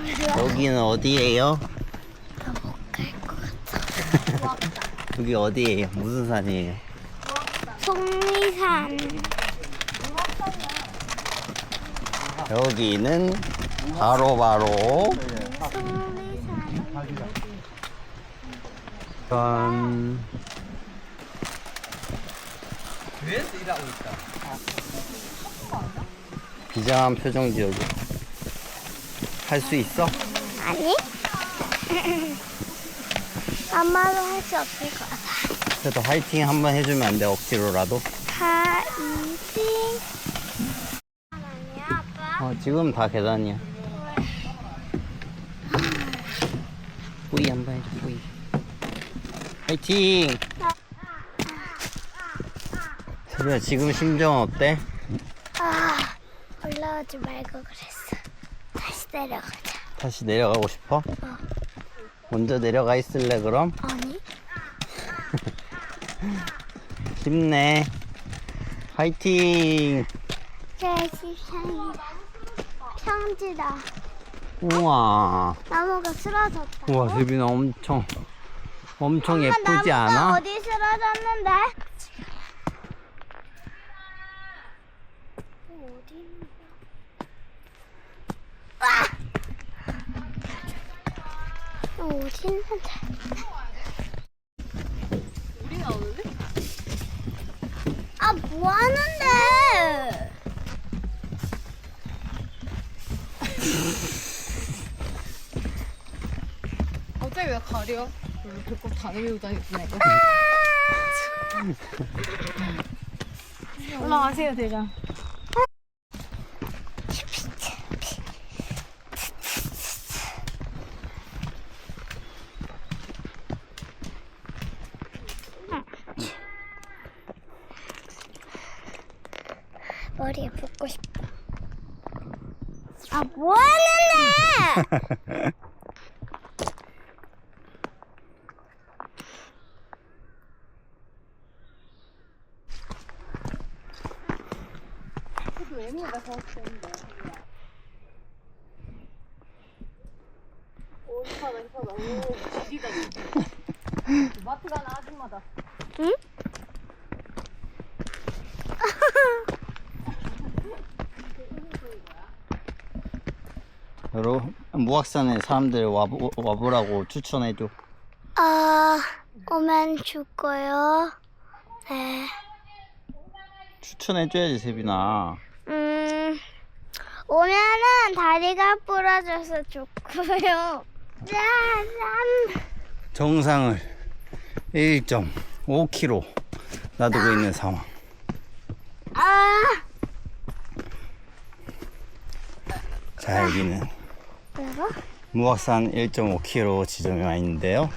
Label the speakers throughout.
Speaker 1: 여기는 어디예요?
Speaker 2: 못갈것 같아.
Speaker 1: 여기 어디예요? 무슨 산이에요?
Speaker 2: 속리산.
Speaker 1: 여기는 바로
Speaker 2: 속리산.
Speaker 1: 짠.
Speaker 3: 위에서 일하고 있다.
Speaker 1: 비장한 표정 지어줘. 할 수 있어?
Speaker 2: 아니? 아마도 할 수 없을 것 같아.
Speaker 1: 그래도 화이팅 한번 해주면 안 돼? 억지로라도?
Speaker 2: 파이팅. 아니야, 아빠?
Speaker 1: 지금 다 계단이야. 뿌이 한번 해줘, 뿌이. 화이팅! 세비야, 지금 심정은 어때?
Speaker 2: 올라오지 말고 그랬어. 다시 내려가자.
Speaker 1: 다시 내려가고 싶어? 먼저 내려가 있을래, 그럼?
Speaker 2: 아니?
Speaker 1: 힘내. 화이팅!
Speaker 2: 제13이다. 평지다.
Speaker 1: 우와.
Speaker 2: 나무가 쓰러졌다.
Speaker 1: 우와, 세빈아 엄청
Speaker 2: 엄마,
Speaker 1: 예쁘지
Speaker 2: 나무가
Speaker 1: 않아?
Speaker 2: 어디 쓰러졌는데? 어디 있는 거야? 어디 있는데?
Speaker 4: 우리 나오는데?
Speaker 2: 아, 뭐 하는데?
Speaker 4: 갑자기 왜 가려? 별로 배꼽 다 내밀고 다녔구나 이거. 올라가세요 대장.
Speaker 2: 머리에 붓고 싶다. 아, 뭐 하는데?
Speaker 4: 외모가 더 좋은데. 오 힙하다. 오 지리다 지리. 마트 가는 아줌마다.
Speaker 2: 응?
Speaker 1: 여러분, 무악산에 사람들 와보라고 추천해줘.
Speaker 2: 오면 죽고요. 네.
Speaker 1: 추천해줘야지, 세빈아.
Speaker 2: 오면은 다리가 부러져서 죽고요. 짠!
Speaker 1: 정상을 1.5km 놔두고 있는 상황. 자, 여기는
Speaker 2: 뭐라고?
Speaker 1: 무악산 1.5km 지점에 와 있는데요.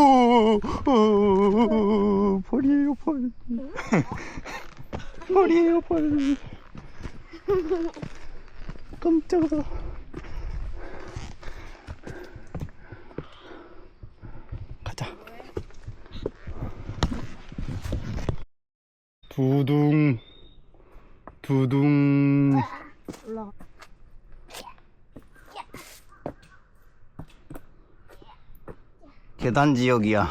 Speaker 1: 벌이에요, 벌. 벌이에요, 벌. 깜짝아. 가자. 두둥.
Speaker 4: 올라가.
Speaker 1: 계단 지역이야.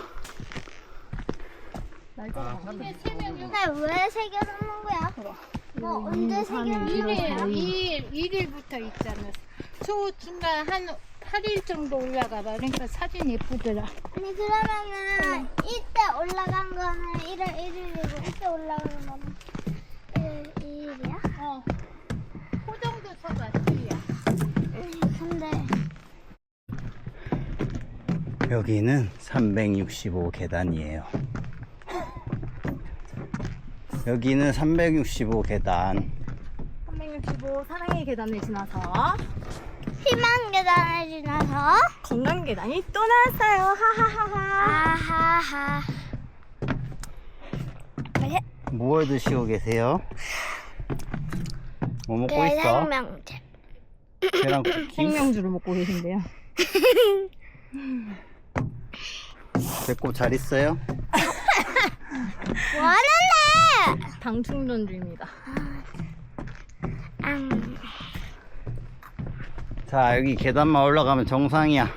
Speaker 2: 근데 왜 새겨놓는 거야? 뭐 언제 새겨놓는
Speaker 5: 1일부터 있잖아. 중간 한 8일 정도 올라가 봐. 그러니까 사진 예쁘더라.
Speaker 2: 아니 그러면은 이때 올라간 거는 1월 1일이고 이때 올라간 거는 1월 2일이야?
Speaker 5: 어. 그 정도 쳐봐, 수리야.
Speaker 2: 근데
Speaker 1: 여기는 365 계단이에요. 여기는 365 계단.
Speaker 4: 365 사랑의 계단을 지나서
Speaker 2: 희망 계단을 지나서
Speaker 4: 건강 계단이 또 나왔어요. 하하하하.
Speaker 2: 아하하.
Speaker 1: 뭘 드시고 계세요? 뭐 먹고 있어?
Speaker 2: 계란명절.
Speaker 1: 계란 쿠키?
Speaker 4: 생명주를 먹고 계신데요.
Speaker 1: 배꼽 잘 있어요?
Speaker 2: 뭐 하는데?
Speaker 4: 당 충전 중입니다.
Speaker 1: 자, 여기 계단만 올라가면 정상이야.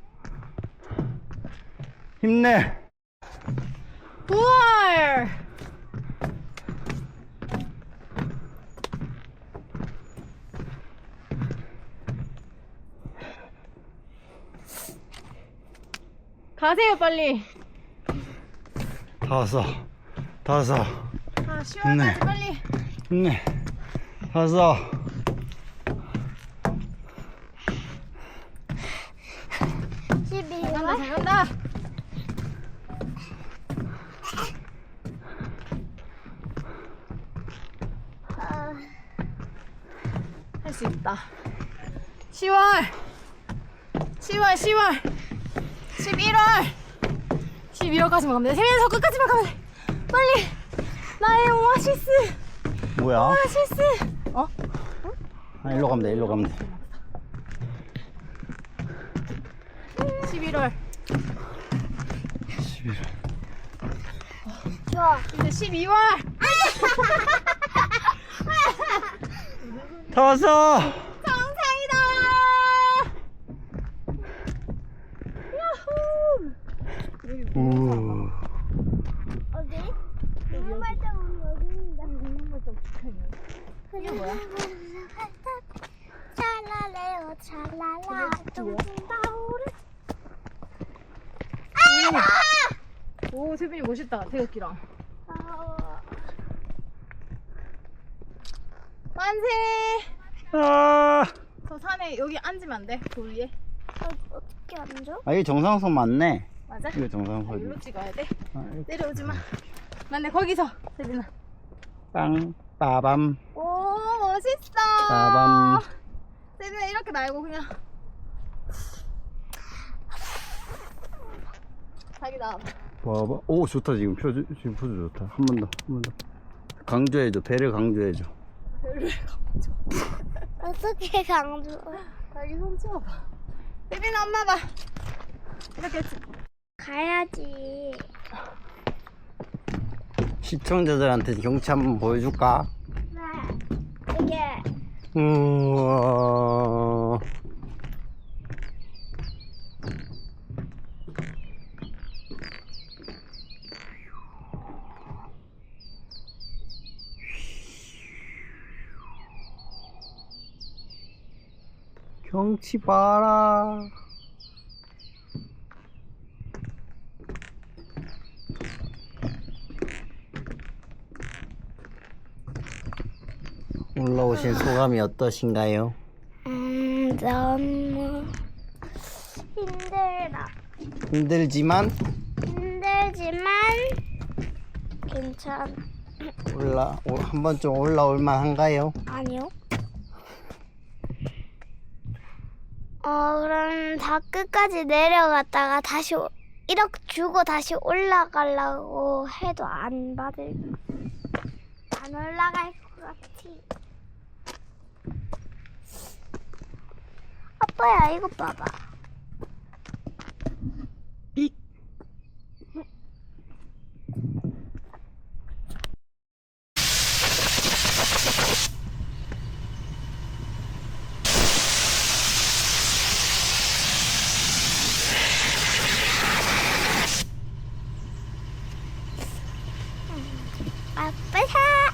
Speaker 1: 힘내.
Speaker 4: 우와. 가세요 빨리.
Speaker 1: 다 왔어. 다 왔어.
Speaker 4: 아 시원하게
Speaker 1: 네.
Speaker 4: 빨리.
Speaker 1: 힘내. 다 왔어.
Speaker 4: 간다 잘 간다. 할 수 있다. 10월 11월 12월까지만 가면 돼. 세면서 끝까지만 가면 돼. 빨리 나의 오아시스
Speaker 1: 뭐야?
Speaker 4: 오아시스. 어?
Speaker 1: 아, 일로 가면 돼. 일로 가면 돼.
Speaker 4: 11월
Speaker 1: 11월.
Speaker 2: 좋아.
Speaker 4: 이제 12월.
Speaker 1: 다 왔어.
Speaker 4: 정상이다. 야호.
Speaker 1: 우.
Speaker 2: 어디? 눈물 발자국 여기 있는데.
Speaker 4: 눈물 발자국 붙어있네.
Speaker 2: 이게 뭐야? 찰랄레요 찰랄라 둥둥 다오르.
Speaker 4: 오 세빈이 멋있다. 태극기랑. 만세.
Speaker 1: 아,
Speaker 4: 저 산에 여기 앉으면 안 돼? 돌 위에.
Speaker 2: 어떻게 앉아?
Speaker 1: 아, 이게 정상선 맞네.
Speaker 4: 맞아?
Speaker 1: 이거 정상선.
Speaker 4: 일로 찍어야 돼.
Speaker 1: 아,
Speaker 4: 내려오지 마. 맞네 거기서 세빈아.
Speaker 1: 빵, 빠밤,
Speaker 4: 오 멋있어.
Speaker 1: 빠밤.
Speaker 4: 세빈아 이렇게 말고 그냥. 자기 나와봐.
Speaker 1: 봐봐. 오, 좋다. 지금 지금 포즈 좋다. 한 번 더, 한 번 더. 강조해줘. 배를 강조해줘.
Speaker 4: 별로 강조.
Speaker 2: 어떻게 강조?
Speaker 4: 자기 손 치워봐. 세빈아 엄마 봐. 이렇게
Speaker 2: 가야지.
Speaker 1: 시청자들한테 경치 한번 보여줄까?
Speaker 2: 네. 이게
Speaker 1: 우와. 경치 봐라. 올라오신 소감이 어떠신가요?
Speaker 2: 너무 힘들다.
Speaker 1: 힘들지만
Speaker 2: 힘들지만 괜찮.
Speaker 1: 한 번쯤 올라올 만한가요?
Speaker 2: 아니요. 그럼 다 끝까지 내려갔다가 다시 이렇게 주고 다시 올라가려고 해도 안 올라갈 것 같아. 아빠야 이거 봐봐. 아빠야.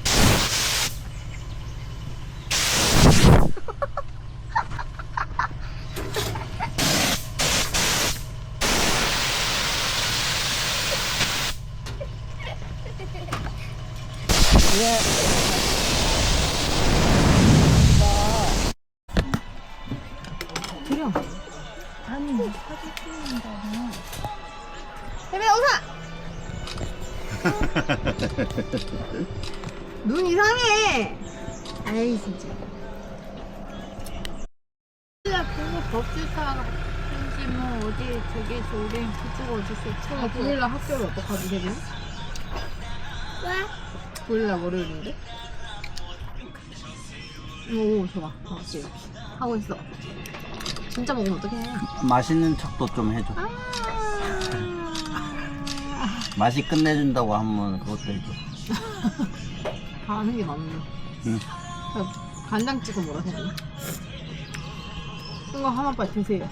Speaker 4: 그냥 아니 사진 찍는다면 세빈아 웃어. 눈 이상해. 아이 진짜.
Speaker 5: 그거 법주사 왠지 뭐 어디 저기 저기 그쪽 어디서
Speaker 4: 아, 9일날 학교를 어떡하지 세빈?
Speaker 2: 왜?
Speaker 4: 9일날 월요일인데? 오 좋아. 지금 하고 있어. 진짜 먹으면 어떡해.
Speaker 1: 맛있는 척도 좀 해줘. 맛이 끝내준다고 하면 그것도 해줘.
Speaker 4: 다 하는 게 맞네.
Speaker 1: 응.
Speaker 4: 간장 찍어 뭐라 해야 되나? 이거 하나만 드세요.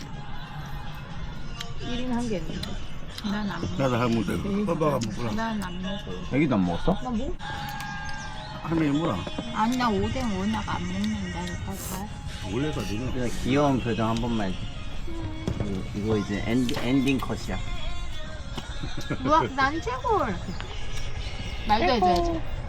Speaker 4: 1인 한 개 있는데.
Speaker 5: 난 안 먹어.
Speaker 1: 나도 할머니 되고. 빠빠가 먹구나.
Speaker 5: 난 안 먹어.
Speaker 1: 애기도 안 먹었어?
Speaker 4: 나 뭐?
Speaker 1: 할머니 뭐라?
Speaker 5: 아니 나 오뎅 워낙 안 먹는다니까.
Speaker 1: 원래가 너는.
Speaker 3: 그냥 귀여운 표정 한 번만 해줘. 이거 이제 엔딩 컷이야.
Speaker 5: 우와 난 최고. 말도 해줘야지.